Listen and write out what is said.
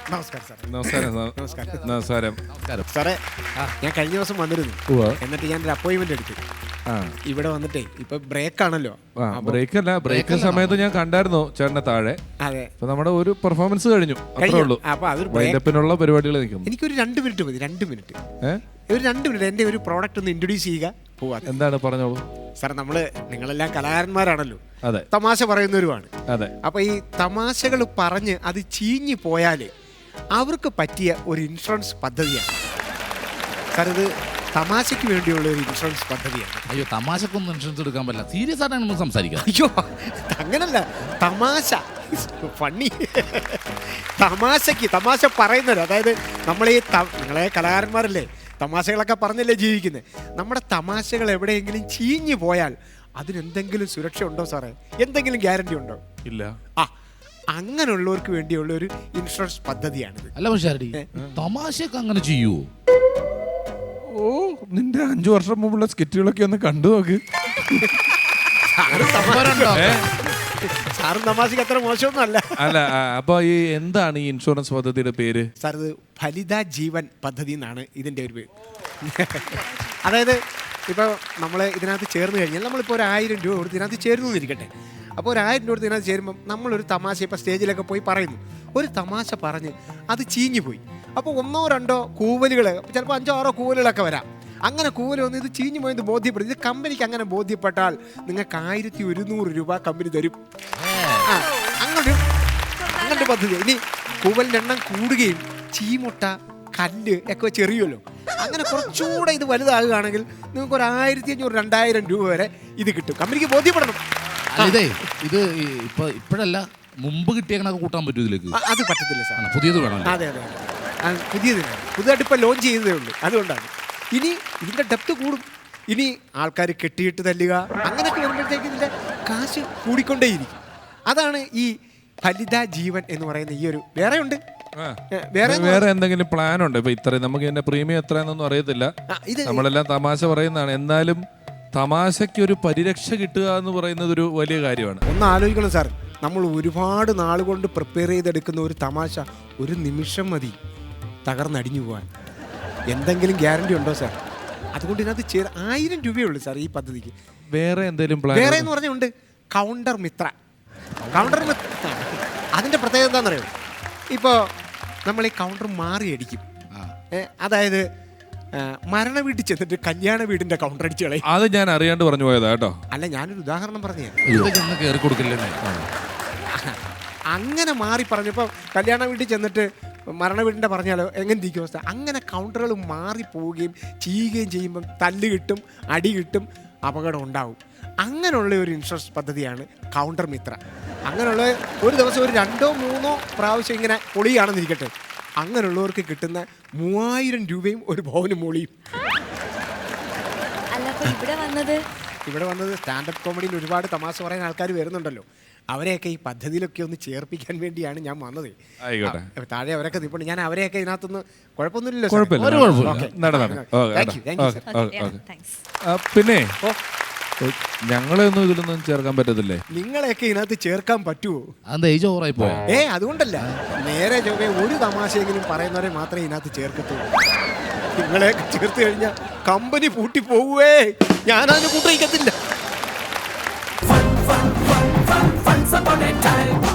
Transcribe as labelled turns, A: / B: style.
A: നമസ്കാരം സാർ.
B: നമസ്കാരം
A: നമസ്കാരം.
B: നമസ്കാരം.
A: സാറേ, ഞാൻ കഴിഞ്ഞ ദിവസം വന്നിരുന്നു. എന്നിട്ട് ഞാൻ ഒരു അപ്പോയിന്റ്മെന്റ് എടുത്തു. ഇവിടെ വന്നിട്ടേ ഇപ്പൊ ബ്രേക്ക് ആണല്ലോ.
B: ബ്രേക്ക് സമയത്ത് ഞാൻ കണ്ടായിരുന്നു ചേട്ടനെ താഴെ.
A: അതെ,
B: ഇപ്പൊ നമ്മുടെ ഒരു പെർഫോമൻസ് കഴിഞ്ഞു, അത്രേ ഉള്ളൂ.
A: അപ്പൊ അതൊരു
B: വൈൻഡപ്പിനുള്ള പരിപാടികൾ നിൽക്കുന്നു.
A: എനിക്കൊരു 2 മിനിറ്റ് മതി. 2 മിനിറ്റ്, ഒരു 2 മിനിറ്റ് എന്റെ ഒരു പ്രോഡക്റ്റ് ഒന്ന് ഇൻട്രൊഡ്യൂസ് ചെയ്യുക, പോവാ.
B: എന്താണ് പറഞ്ഞോളൂ
A: സാർ. നിങ്ങളെല്ലാം കലാകാരന്മാരാണല്ലോ,
B: അതെ,
A: തമാശ പറയുന്നവരുമാണ്.
B: അതെ.
A: അപ്പൊ ഈ തമാശകൾ പറഞ്ഞ് അത് ചീഞ്ഞു പോയാല് അവർക്ക് പറ്റിയ ഒരു ഇൻഷുറൻസ് പദ്ധതിയാണ് സാർ. ഇത് തമാശയ്ക്ക് വേണ്ടിയുള്ള ഒരു ഇൻഷുറൻസ് പദ്ധതിയാണ്.
C: അയ്യോ, തമാശക്കൊന്നും ഇൻഷുറൻസ് എടുക്കാൻ പറ്റില്ല. സീരിയസ് ആയിട്ടാണ് നമ്മൾ സംസാരിക്കുക.
A: അയ്യോ, അങ്ങനല്ല, തമാശ ഫണ്ണി, തമാശ പറയുന്നത്. അതായത് നിങ്ങളെ കലാകാരന്മാരല്ലേ, തമാശകളൊക്കെ പറഞ്ഞല്ലേ ജീവിക്കുന്നത്. നമ്മുടെ തമാശകൾ എവിടെയെങ്കിലും ചീഞ്ഞു പോയാൽ അതിനെന്തെങ്കിലും സുരക്ഷ ഉണ്ടോ സാറേ? എന്തെങ്കിലും ഗ്യാരണ്ടി ഉണ്ടോ?
B: ഇല്ല.
A: അങ്ങനെയുള്ളവർക്ക് വേണ്ടിയുള്ള ഒരു ഇൻഷുറൻസ് പദ്ധതിയാണിത്.
C: അല്ല പക്ഷേ തമാശയൊക്കെ അങ്ങനെ ചെയ്യുവോ?
B: ഓ, നിന്റെ 5 വർഷം മുമ്പുള്ള സ്കിറ്റുകളൊക്കെ ഒന്ന് കണ്ടു നോക്ക്.
A: സാറും തമാശക്ക് അത്ര മോശമൊന്നും അല്ല.
B: അല്ല, അപ്പൊ ഈ എന്താണ് ഈ ഇൻഷുറൻസ് പദ്ധതിയുടെ പേര്?
A: സാർ, ഇത് ഫലിത ജീവൻ പദ്ധതി എന്നാണ് ഇതിന്റെ ഒരു പേര്. അതായത് ഇപ്പോൾ നമ്മൾ ഇതിനകത്ത് ചേർന്ന് കഴിഞ്ഞാൽ നമ്മളിപ്പോൾ ഒരു 1000 രൂപ കൊടുത്ത് ഇതിനകത്ത് ചേരുന്നു എന്നിരിക്കട്ടെ. അപ്പോൾ ഒരു 1000 രൂപ കൊടുത്ത് ഇതിനകത്ത് ചേരുമ്പം നമ്മളൊരു തമാശ ഇപ്പോൾ സ്റ്റേജിലൊക്കെ പോയി പറയുന്നു, ഒരു തമാശ പറഞ്ഞ് അത് ചീഞ്ഞു പോയി. അപ്പോൾ 1 or 2 കൂവലുകൾ, ചിലപ്പോൾ 5 or 6 കൂവലുകളൊക്കെ വരാം. അങ്ങനെ കൂവൽ വന്ന് ഇത് ചീഞ്ഞു പോയത് ബോധ്യപ്പെടും. ഇത് കമ്പനിക്ക് അങ്ങനെ ബോധ്യപ്പെട്ടാൽ നിങ്ങൾക്ക് 1100 രൂപ കമ്പനി തരും. അങ്ങനൊരു പദ്ധതി. ഇനി കൂവലിൻ്റെ എണ്ണം കൂടുകയും ചീമുട്ട, കല്ല് ഒക്കെ വെച്ച് എറിയുമല്ലോ, അങ്ങനെ കുറച്ചുകൂടെ ഇത് വലുതാകുകയാണെങ്കിൽ നിങ്ങൾക്ക് ഒരു 1500-2000 രൂപ വരെ ഇത് കിട്ടും. കമ്പനിക്ക് ബോധ്യപ്പെടണം.
C: ഇത് ഇപ്പോഴല്ല, മുമ്പ് കിട്ടിയതൊക്കെ കൂട്ടാൻ പറ്റും ഇതിലേക്ക്?
A: അത് പറ്റത്തില്ല സാർ,
C: പുതിയത് വേണം.
A: അതെ, പുതിയതായിട്ട് ഇപ്പോൾ ലോഞ്ച് ചെയ്തതേ ഉള്ളൂ. അതുകൊണ്ടാണ് ഇനി ഇതിൻ്റെ ഡെപ്ത് കൂടും. ഇനി ആൾക്കാർ കെട്ടിയിട്ട് തല്ലുക അങ്ങനെയൊക്കെ വരുമ്പോഴത്തേക്ക് ഇതിൻ്റെ കാശ് കൂടിക്കൊണ്ടേയിരിക്കും. അതാണ് ഈ ഫലിത ജീവൻ എന്ന് പറയുന്ന ഈ ഒരു. വേറെ
B: എന്തെങ്കിലും പ്ലാൻ ഉണ്ട്? ഇപ്പൊ ഇത്രയും നമുക്ക് ഇതിന്റെ പ്രീമിയം എത്രയെന്നൊന്നും അറിയത്തില്ല. നമ്മളെല്ലാം തമാശ പറയുന്നതാണ്. എന്നാലും തമാശയ്ക്ക് ഒരു പരിരക്ഷ കിട്ടുക എന്ന് പറയുന്നത് ഒരു വലിയ കാര്യമാണ്.
A: ഒന്ന് ആലോചിക്കണം സാർ, നമ്മൾ ഒരുപാട് നാൾ കൊണ്ട് പ്രിപ്പയർ ചെയ്തെടുക്കുന്ന ഒരു തമാശ ഒരു നിമിഷം മതി തകർന്നടിഞ്ഞു പോകാൻ. എന്തെങ്കിലും ഗ്യാരണ്ടി ഉണ്ടോ സാർ? അതുകൊണ്ട് ഇതിനകത്ത് 1000 രൂപയുള്ളൂ സാർ ഈ പദ്ധതിക്ക്.
B: വേറെ എന്തെങ്കിലും പ്ലാൻ?
A: വേറെ എന്ന് പറഞ്ഞുണ്ട് കൗണ്ടർ മിത്ര. അതിൻ്റെ പ്രത്യേകത എന്താണെന്നറിയോ? ഇപ്പോൾ നമ്മൾ ഈ കൗണ്ടർ മാറി അടിക്കും. അതായത് മരണ വീട്ടിൽ ചെന്നിട്ട് കല്യാണ വീടിന്റെ കൗണ്ടർ അടിച്ച് കളയും.
B: അത് ഞാൻ അറിയാണ്ട് പറഞ്ഞു പോയതാ കേട്ടോ.
A: അല്ല, ഞാനൊരു ഉദാഹരണം പറഞ്ഞേ. അങ്ങനെ മാറി പറഞ്ഞപ്പോൾ കല്യാണ വീട്ടിൽ ചെന്നിട്ട് മരണ വീടിൻ്റെ പറഞ്ഞാലോ എങ്ങനെ ഇരിക്കും അവസ്ഥ? അങ്ങനെ കൗണ്ടറുകൾ മാറിപ്പോവുകയും ചെയ്യുകയും ചെയ്യുമ്പം തല്ല് കിട്ടും, അടി കിട്ടും, അപകടം ഉണ്ടാവും. അങ്ങനെയുള്ള ഒരു ഇൻഷുറൻസ് പദ്ധതിയാണ് കൗണ്ടർ മിത്ര. അങ്ങനെയുള്ള ഒരു ദിവസം ഒരു 2-3 പ്രാവശ്യം ഇങ്ങനെ പൊളിയാണെന്നിരിക്കട്ടെ, അങ്ങനെയുള്ളവർക്ക് കിട്ടുന്ന 3000 രൂപയും ഒരു ഭവനും മൂളിയും. ഇവിടെ വന്നത് സ്റ്റാൻഡപ്പ് കോമഡിയിൽ ഒരുപാട് തമാശ പറയാൻ ആൾക്കാർ വരുന്നുണ്ടല്ലോ. അവരെയൊക്കെ ഈ പദ്ധതിയിലൊക്കെ ഒന്ന് ചേർപ്പിക്കാൻ വേണ്ടിയാണ് ഞാൻ വന്നത്. താഴെ അവരൊക്കെ നിൽപ്പുണ്ട്. ഞാൻ അവരെയൊക്കെ ഇതിനകത്തൊന്ന് കുഴപ്പമൊന്നുമില്ലല്ലോ.
B: പിന്നെ ഞങ്ങളെയൊന്നും ഇതിലൊന്നും ചേർക്കാൻ പറ്റത്തില്ലേ?
A: നിങ്ങളെയൊക്കെ ഇതിനകത്ത് ചേർക്കാൻ പറ്റുമോ? അതുകൊണ്ടല്ല, നേരെ ചൊവ്വേ ഒരു തമാശയെങ്കിലും പറയുന്നവരെ മാത്രമേ ഇതിനകത്ത് ചേർക്കത്തുള്ളൂ. നിങ്ങളെയൊക്കെ ചേർത്ത് കഴിഞ്ഞാൽ കമ്പനി പൂട്ടി പോവുവേ. ഞാനതിന് കൂട്ടിക്കത്തില്ല.